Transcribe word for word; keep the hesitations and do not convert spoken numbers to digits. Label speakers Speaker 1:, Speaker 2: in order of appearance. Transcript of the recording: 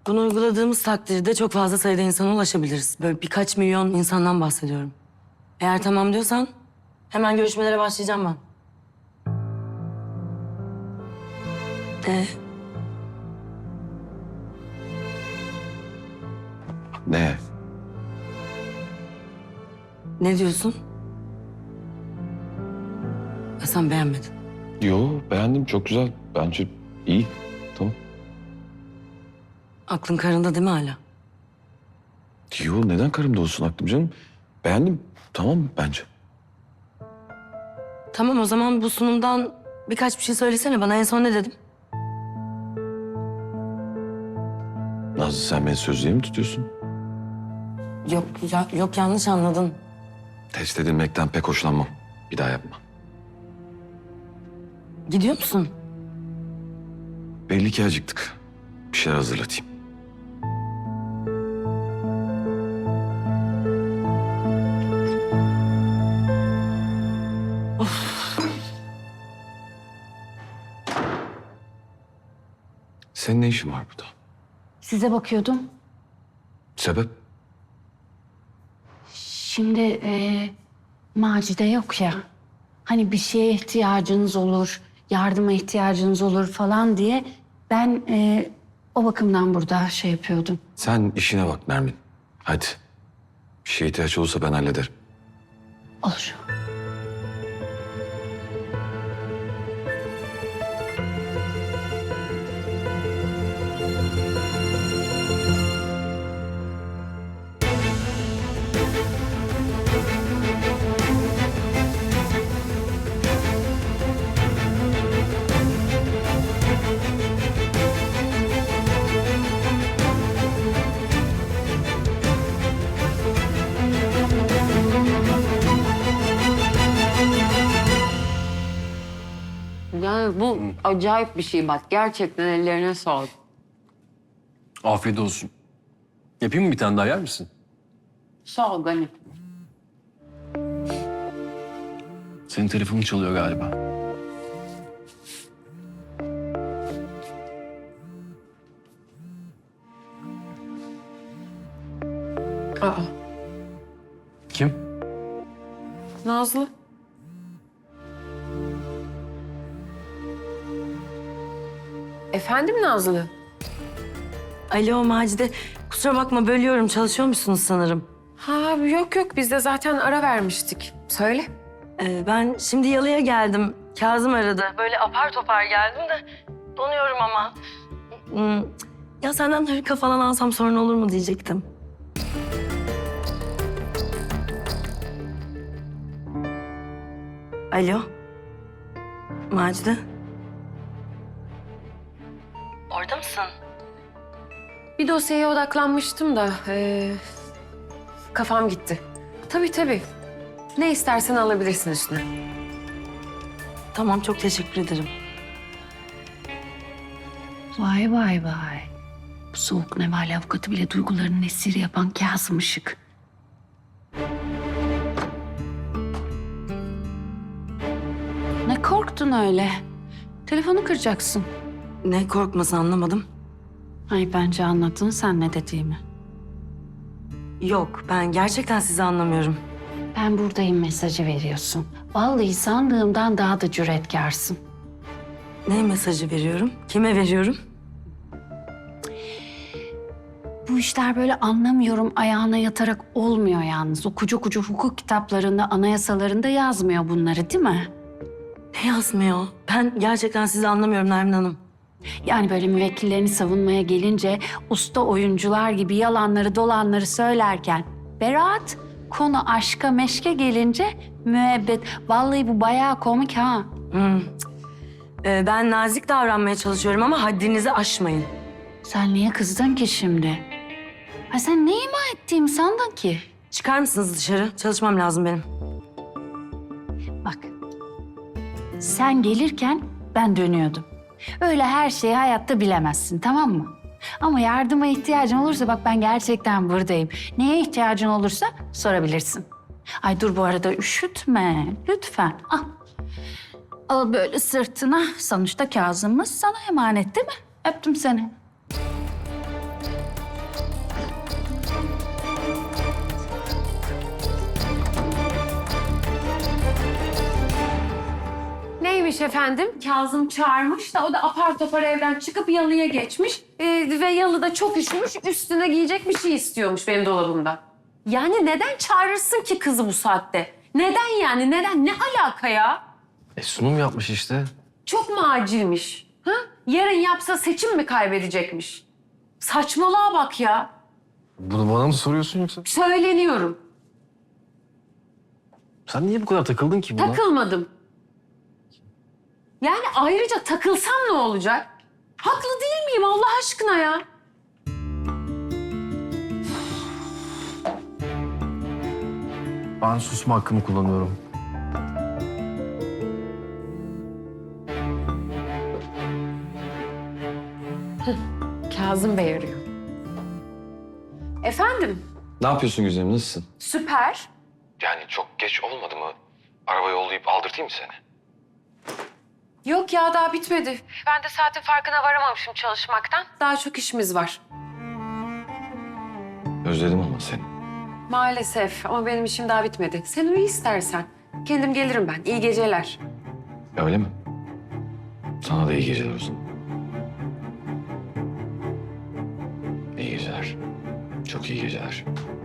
Speaker 1: Bunu uyguladığımız takdirde çok fazla sayıda insana ulaşabiliriz. Böyle birkaç milyon insandan bahsediyorum. Eğer tamam diyorsan hemen görüşmelere başlayacağım ben. Ee,
Speaker 2: Ne?
Speaker 1: ne diyorsun? Ya sen beğenmedin.
Speaker 2: Yo, beğendim. Çok güzel. Bence iyi. Tamam.
Speaker 1: Aklın karında değil mi hala?
Speaker 2: Yo, neden karımda olsun aklım canım? Beğendim. Tamam bence.
Speaker 1: Tamam o zaman bu sunumdan birkaç bir şey söylesene bana. En son ne dedim?
Speaker 2: Nazlı, sen beni sözlüğe mi tutuyorsun?
Speaker 1: Yok ya, yok yanlış anladın.
Speaker 2: Test edilmekten pek hoşlanmam. Bir daha yapma.
Speaker 1: Gidiyor musun?
Speaker 2: Belli ki acıktık. Bir şeyler hazırlatayım. Senin ne işin var burada?
Speaker 3: Size bakıyordum.
Speaker 2: Sebep?
Speaker 3: Şimdi e, Macide yok ya. Hani bir şeye ihtiyacınız olur, yardıma ihtiyacınız olur falan diye ben e, o bakımdan burada şey yapıyordum.
Speaker 2: Sen işine bak Nermin. Hadi. Bir şeye ihtiyaç olursa ben hallederim.
Speaker 3: Olur.
Speaker 4: Yani bu acayip bir şey bak. Gerçekten ellerine sağlık.
Speaker 5: Afiyet olsun. Yapayım mı bir tane daha, yer misin?
Speaker 4: Sağ ol Gani.
Speaker 5: Senin telefonun çalıyor galiba.
Speaker 4: Aa,
Speaker 5: Kim?
Speaker 4: Nazlı. Efendim Nazlı?
Speaker 1: Alo Macide. Kusura bakma bölüyorum. Çalışıyor musunuz sanırım?
Speaker 4: Ha yok yok biz de zaten ara vermiştik. Söyle.
Speaker 1: Ee, ben şimdi yalıya geldim. Kazım aradı. Böyle apar topar geldim de donuyorum ama. Hmm, ya senden hırka falan alsam sorun olur mu diyecektim. Alo. Macide. Orada mısın?
Speaker 4: Bir dosyaya odaklanmıştım da ee, kafam gitti. Tabii tabii. Ne istersen alabilirsin üstüne.
Speaker 1: Tamam çok teşekkür ederim.
Speaker 3: Vay vay vay. Bu soğuk nevale avukatı bile duygularının esiri yapan Kazım Işık. Ne korktun öyle? Telefonu kıracaksın.
Speaker 1: Ne korkması anlamadım.
Speaker 3: Ay bence anladın sen ne dediğimi.
Speaker 1: Yok ben gerçekten sizi anlamıyorum.
Speaker 3: Ben buradayım mesajı veriyorsun. Vallahi sandığımdan daha da cüretkarsın.
Speaker 1: Ne mesajı veriyorum? Kime veriyorum?
Speaker 3: Bu işler böyle anlamıyorum ayağına yatarak olmuyor yalnız. O kucu kucu hukuk kitaplarında, anayasalarında yazmıyor bunları değil mi?
Speaker 1: Ne yazmıyor? Ben gerçekten sizi anlamıyorum Nermin Hanım.
Speaker 3: Yani böyle müvekkillerini savunmaya gelince usta oyuncular gibi yalanları dolanları söylerken beraat, konu aşka meşke gelince müebbet. Vallahi bu bayağı komik ha.
Speaker 1: Hmm. Ee, ben nazik davranmaya çalışıyorum ama haddinizi aşmayın.
Speaker 3: Sen niye kızdın ki şimdi? Ha sen ne ima ettiğimi sandın ki?
Speaker 1: Çıkar mısınız dışarı? Çalışmam lazım benim.
Speaker 3: Bak, sen gelirken ben dönüyordum. Öyle her şeyi hayatta bilemezsin, tamam mı? Ama yardıma ihtiyacın olursa bak ben gerçekten buradayım. Neye ihtiyacın olursa sorabilirsin. Ay dur bu arada üşütme, lütfen. Al. Al böyle sırtına. Sonuçta Kazım'ız sana emanet değil mi? Öptüm seni.
Speaker 4: Neymiş efendim? Kazım çağırmış da o da apar topar evden çıkıp yalıya geçmiş. Ee, ve yalıda çok üşümüş, üstüne giyecek bir şey istiyormuş benim dolabımda. Yani neden çağırırsın ki kızı bu saatte? Neden yani? Neden? Ne alaka ya?
Speaker 5: E sunum yapmış işte.
Speaker 4: Çok mu acilmiş? Ha? Yarın yapsa seçim mi kaybedecekmiş? Saçmalığa bak ya.
Speaker 5: Bunu bana mı soruyorsun yoksa?
Speaker 4: Söyleniyorum.
Speaker 5: Sen niye bu kadar takıldın ki buna?
Speaker 4: Takılmadım. Yani ayrıca takılsam ne olacak? Haklı değil miyim Allah aşkına ya?
Speaker 5: Ben susma hakkımı kullanıyorum.
Speaker 4: Kazım Bey arıyor. Efendim?
Speaker 2: Ne yapıyorsun güzelim, nasılsın?
Speaker 4: Süper.
Speaker 2: Yani çok geç olmadı mı? Araba yollayıp aldırtayım mı seni?
Speaker 4: Yok ya daha bitmedi. Ben de saatin farkına varamamışım çalışmaktan. Daha çok işimiz var.
Speaker 2: Özledim ama seni.
Speaker 4: Maalesef ama benim işim daha bitmedi. Sen uyu istersen. Kendim gelirim ben. İyi geceler.
Speaker 2: Öyle mi? Sana da iyi geceler o zaman. İyi geceler. Çok iyi geceler.